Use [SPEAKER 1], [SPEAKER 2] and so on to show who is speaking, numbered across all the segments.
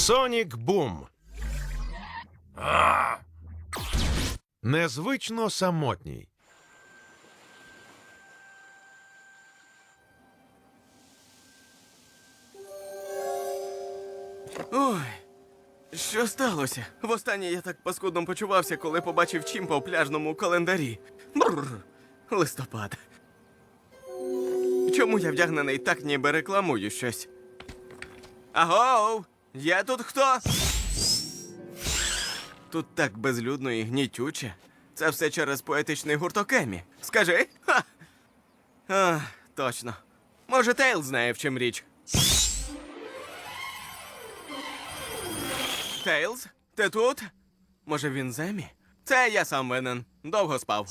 [SPEAKER 1] Сонік Бум. Незвично самотній.
[SPEAKER 2] Ой, що сталося? Востаннє я так паскудно почувався, коли побачив Чімпа у пляжному календарі. Бррр, листопад. Чому я вдягнений так, ніби рекламую щось? Агоу! Є тут хто? Тут так безлюдно і гнітюче. Це все через поетичний гурток Емі. Скажи? Ха! Точно. Може, Тейл знає, в чим річ. Тейлз, ти тут? Може, він з Емі? Це я сам винен. Довго спав.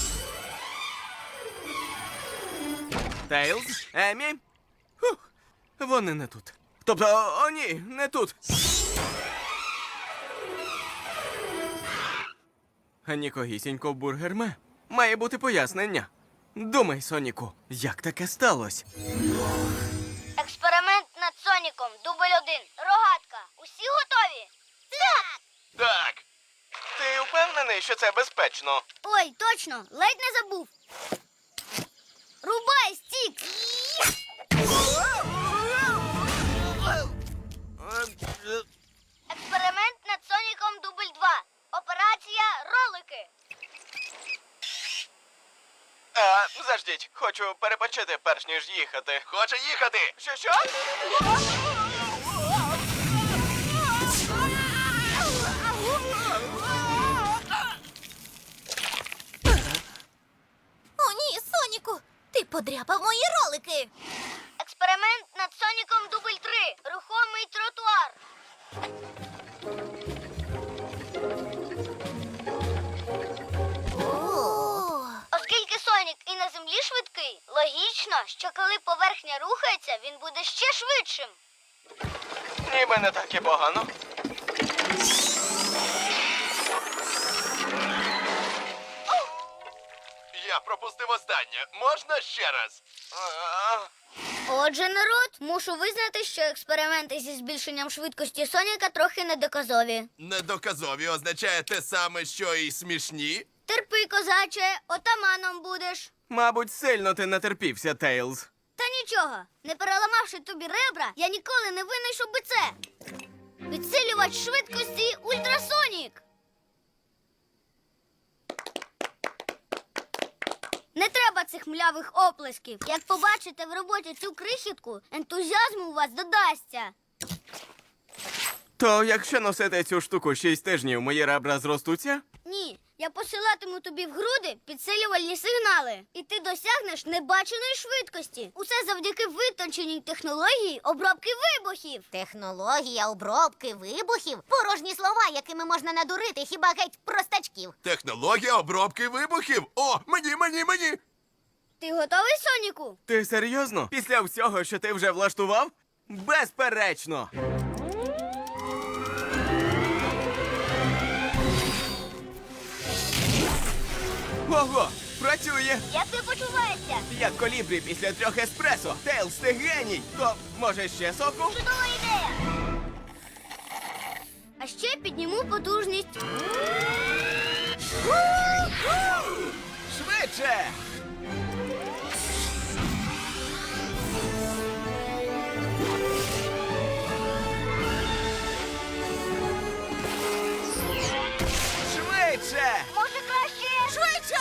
[SPEAKER 2] Тейлз? Емі? Фух, вони не тут. Тобто, о ні, не тут. А нікогісінько в бургерме. Має бути пояснення. Думай, Соніку, як таке сталося?
[SPEAKER 3] Експеримент над Соніком. Дубль 1. Рогатка. Усі готові? Так!
[SPEAKER 2] Так. Ти впевнений, що це безпечно?
[SPEAKER 3] Ой, точно. Ледь не забув. Рубай, Стік! Експеримент над Соніком дубль 2. Операція ролики.
[SPEAKER 2] Заждіть, хочу перепочити, перш ніж їхати. Хоче їхати! Що?
[SPEAKER 4] О, ні, Соніку! Ти подряпав мої ролики!
[SPEAKER 3] Експеримент над Соніком дубль 3. Рухомий тротуар. Оскільки Сонік і на землі швидкий, логічно, що коли поверхня рухається, він буде ще швидшим.
[SPEAKER 2] Ніби не так і погано.
[SPEAKER 5] Я пропустив останнє. Можна ще раз?
[SPEAKER 3] Отже, народ, мушу визнати, що експерименти зі збільшенням швидкості Соніка трохи недоказові.
[SPEAKER 5] Недоказові означає те саме, що і смішні?
[SPEAKER 3] Терпи, козаче, отаманом будеш.
[SPEAKER 2] Мабуть, сильно ти натерпівся, Тейлз.
[SPEAKER 3] Та нічого, не переламавши тобі ребра, я ніколи не винайшов би це. Підсилювач швидкості Ультрасонік. Не треба цих млявих оплесків. Як побачите в роботі цю крихітку, ентузіазму у вас додасться.
[SPEAKER 2] То якщо носити цю штуку 6 тижнів, мої ребра зростуться?
[SPEAKER 3] Ні, я посилатиму тобі в груди підсилювальні сигнали. І ти досягнеш небаченої швидкості. Усе завдяки витонченій технології обробки вибухів.
[SPEAKER 4] Технологія обробки вибухів? Порожні слова, якими можна надурити хіба геть простачків.
[SPEAKER 5] Технологія обробки вибухів? О, мені!
[SPEAKER 3] Ти готовий, Соніку?
[SPEAKER 2] Ти серйозно? Після всього, що ти вже влаштував? Безперечно! Ого! Працює!
[SPEAKER 3] Як ти почуваєшся?
[SPEAKER 2] Як колібрі після 3 еспресо. Тейлз, ти геній! То, може, ще соку?
[SPEAKER 3] Чудова ідея! А ще підніму потужність.
[SPEAKER 2] Швидше! Швидше!
[SPEAKER 3] Може краще? Швидше!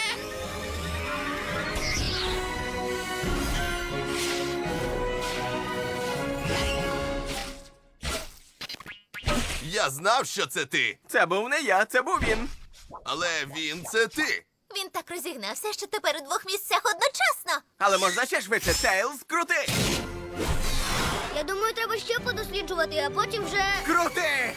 [SPEAKER 5] Я знав, що це ти.
[SPEAKER 2] Це був не я, це був він.
[SPEAKER 5] Але він це ти.
[SPEAKER 4] Він так розігнався, що тепер у 2 місцях одночасно.
[SPEAKER 2] Але можна ще швидше. Тейлз, крути!
[SPEAKER 3] Я думаю, треба ще подосліджувати, а потім вже...
[SPEAKER 2] Крути!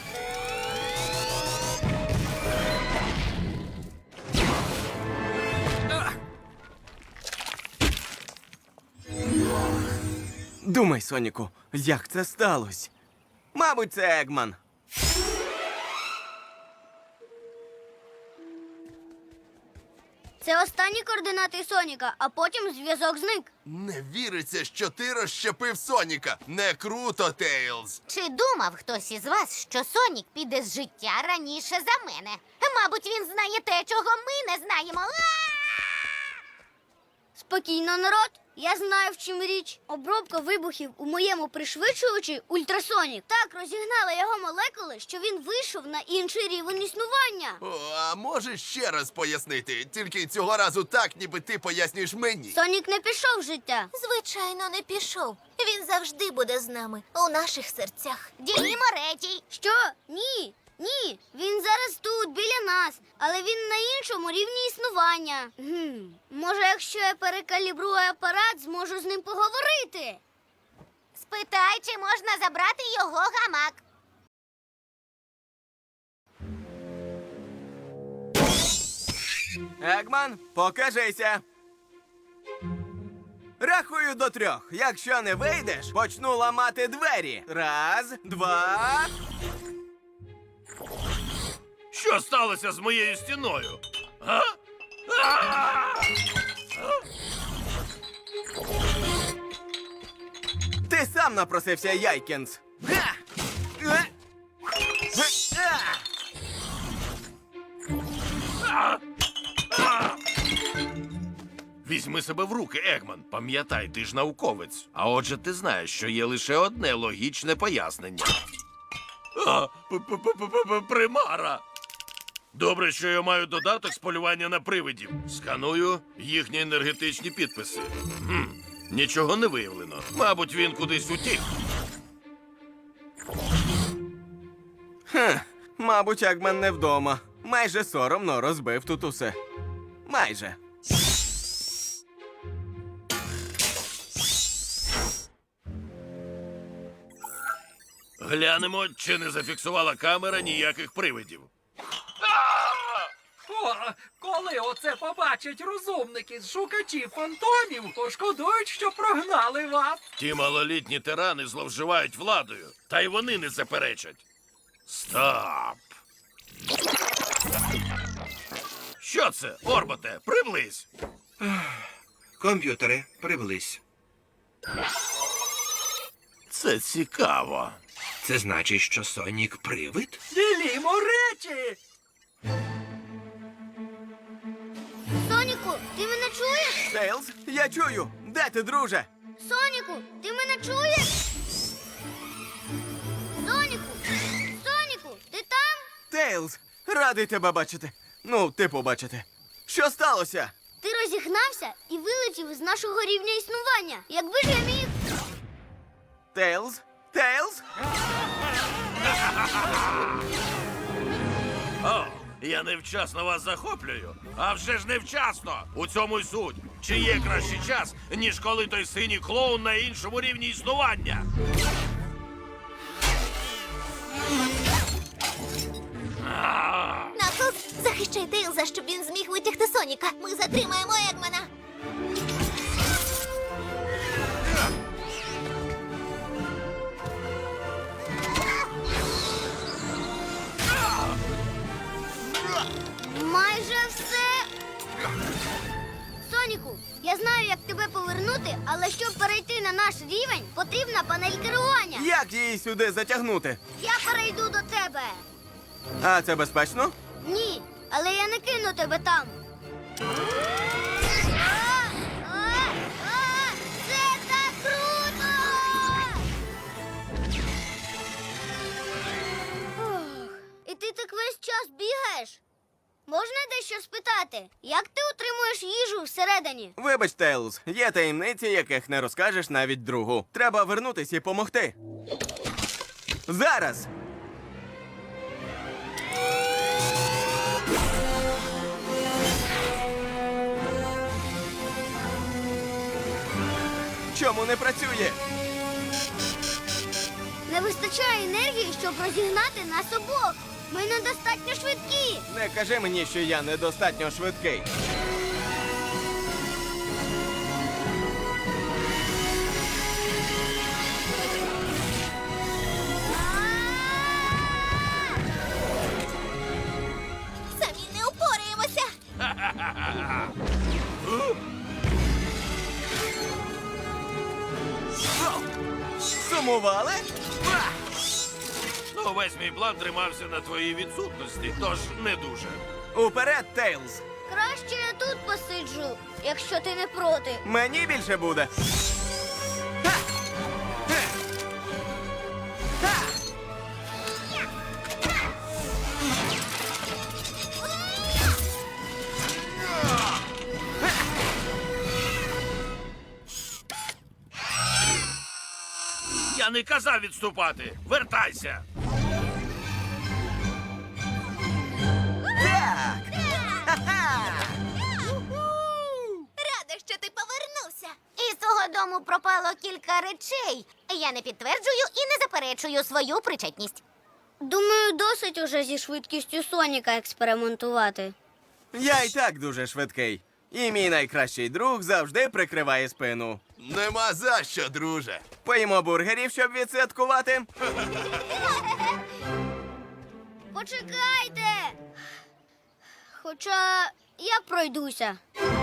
[SPEAKER 2] Думай, Соніку, як це сталося? Мабуть, це Егман.
[SPEAKER 3] Це останні координати Соніка, а потім зв'язок зник.
[SPEAKER 5] Не віриться, що ти розщепив Соніка. Не круто, Тейлз.
[SPEAKER 4] Чи думав хтось із вас, що Сонік піде з життя раніше за мене? Мабуть, він знає те, чого ми не знаємо.
[SPEAKER 3] Спокійно, народ. Я знаю, в чим річ. Обробка вибухів у моєму пришвидшувачі Ультрасонік так розігнала його молекули, що він вийшов на інший рівень існування.
[SPEAKER 5] О, а можеш ще раз пояснити? Тільки цього разу так, ніби ти пояснюєш мені.
[SPEAKER 3] Сонік не пішов з життя.
[SPEAKER 6] Звичайно, не пішов. Він завжди буде з нами, у наших серцях.
[SPEAKER 4] Діємо речі.
[SPEAKER 3] Що? Ні. Ні, він зараз тут, біля нас, але він на іншому рівні існування. Може, якщо я перекалібрую апарат, зможу з ним поговорити.
[SPEAKER 4] Спитай, чи можна забрати його гамак.
[SPEAKER 2] Егман, покажися. Рахую до 3. Якщо не вийдеш, почну ламати двері. 1, 2...
[SPEAKER 7] Що сталося з моєю стіною? А?
[SPEAKER 2] Ти сам напросився, Яйкінс. Га! Е! А!
[SPEAKER 7] Візьми себе в руки, Егман. Пам'ятай, ти ж науковець. А отже, ти знаєш, що є лише одне логічне пояснення. Примара! Добре, що я маю додаток з полювання на привидів. Сканую їхні енергетичні підписи. Нічого не виявлено. Мабуть, він кудись утік.
[SPEAKER 2] Мабуть, Егман не вдома. Майже соромно розбив тут усе. Майже.
[SPEAKER 7] Глянемо, чи не зафіксувала камера ніяких привидів.
[SPEAKER 8] О, коли оце побачать розумники з шукачів фантомів, пошкодують, що прогнали вас.
[SPEAKER 7] Ті малолітні тирани зловживають владою, та й вони не заперечать. Стоп! Що це, Орботе? Приблизь!
[SPEAKER 9] Комп'ютери, приблизь.
[SPEAKER 7] Це цікаво.
[SPEAKER 9] Це значить, що Сонік привид?
[SPEAKER 8] Ділімо речі!
[SPEAKER 3] Соніку, ти мене чуєш?
[SPEAKER 2] Тейлз, я чую. Де ти, друже?
[SPEAKER 3] Соніку, ти мене чуєш? Соніку! Соніку, ти там?
[SPEAKER 2] Тейлз, радий тебе бачити. Ну, типу бачити. Що сталося?
[SPEAKER 3] Ти розігнався і вилетів з нашого рівня існування. Якби ж я міг.
[SPEAKER 2] Тейлз? Тейлз?
[SPEAKER 7] О, я невчасно вас захоплюю. А вже ж невчасно. У цьому й суть. Чи є кращий час, ніж коли той синій клоун на іншому рівні існування?
[SPEAKER 6] Наклз, захищай Тейлза, щоб він зміг витягти Соніка. Ми затримаємо Егмана.
[SPEAKER 3] Майже все. Соніку, я знаю, як тебе повернути, але щоб перейти на наш рівень, потрібна панель керування.
[SPEAKER 2] Як її сюди затягнути?
[SPEAKER 3] Я перейду до тебе.
[SPEAKER 2] А це безпечно?
[SPEAKER 3] Ні, але я не кину тебе там. Це так круто! Ох, і ти так весь час бігаєш? Можна дещо спитати? Як ти утримуєш їжу всередині?
[SPEAKER 2] Вибач, Тейлз, є таємниці, яких не розкажеш навіть другу. Треба вернутись і помогти. Зараз! Чому не працює?
[SPEAKER 3] Не вистачає енергії, щоб розігнати нас обох. Ми недостатньо швидкі.
[SPEAKER 2] Не кажи мені, що я недостатньо швидкий.
[SPEAKER 6] Самі не упораємося.
[SPEAKER 2] Сумували?
[SPEAKER 7] Ну, весь мій план тримався на твоїй відсутності, тож не дуже.
[SPEAKER 2] Уперед, Тейлз!
[SPEAKER 3] Краще я тут посиджу, якщо ти не проти.
[SPEAKER 2] Мені більше буде. Ха! Хе! Ха!
[SPEAKER 7] Я не казав відступати. Вертайся.
[SPEAKER 2] Так! Ха-ха!
[SPEAKER 6] Рада, що ти повернувся.
[SPEAKER 4] Із твого дому пропало кілька речей. Я не підтверджую і не заперечую свою причетність.
[SPEAKER 3] Думаю, досить уже зі швидкістю Соніка експериментувати.
[SPEAKER 2] Я й так дуже швидкий. І мій найкращий друг завжди прикриває спину.
[SPEAKER 5] Нема за що, друже.
[SPEAKER 2] Поїмо бургерів, щоб відсвяткувати.
[SPEAKER 3] Почекайте! Хоча я пройдуся.